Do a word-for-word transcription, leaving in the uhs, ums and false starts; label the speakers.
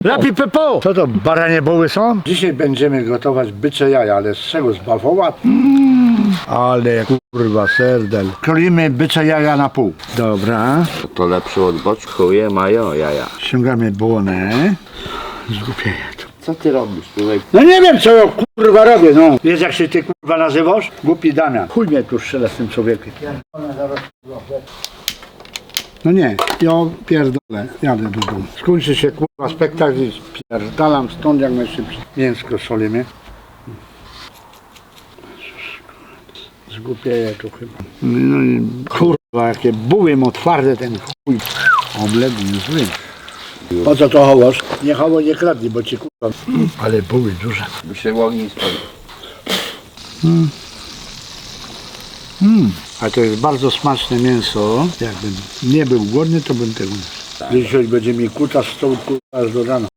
Speaker 1: Lapi Pepo!
Speaker 2: Co to, baranie boły są? Dzisiaj będziemy gotować bycze jaja, ale z czego? Z bawoła? Mm, ale kurwa serdel. Krolimy bycze jaja na pół. Dobra.
Speaker 3: To lepsze od boczkuje mają jaja.
Speaker 2: Ściągamy błonę. Zgupieję to.
Speaker 3: Co ty robisz tutaj?
Speaker 2: No nie wiem co ja kurwa robię, no. Wiesz jak się ty kurwa nazywasz? Głupi Damian. Chuj mnie tu strzela z tym człowiekiem. No nie, ja pierdolę, jadę do domu. Skończy się kurwa spektakl i spierdalam stąd jak najszybciej. Mięsko solimy. Zgłupieję tu chyba. No i kurwa jakie buły mu twarde ten chuj. Omlet zły. Po co to hołosz? Nie hoło nie kradnij, bo ci kurwa. Ale buły duże.
Speaker 3: By się ogień spalił.
Speaker 2: Mm. Mm. A to jest bardzo smaczne mięso. Jakbym nie był głodny, to bym tego nie. Dzisiaj będzie mi kuta z stołu kurwa aż do rana.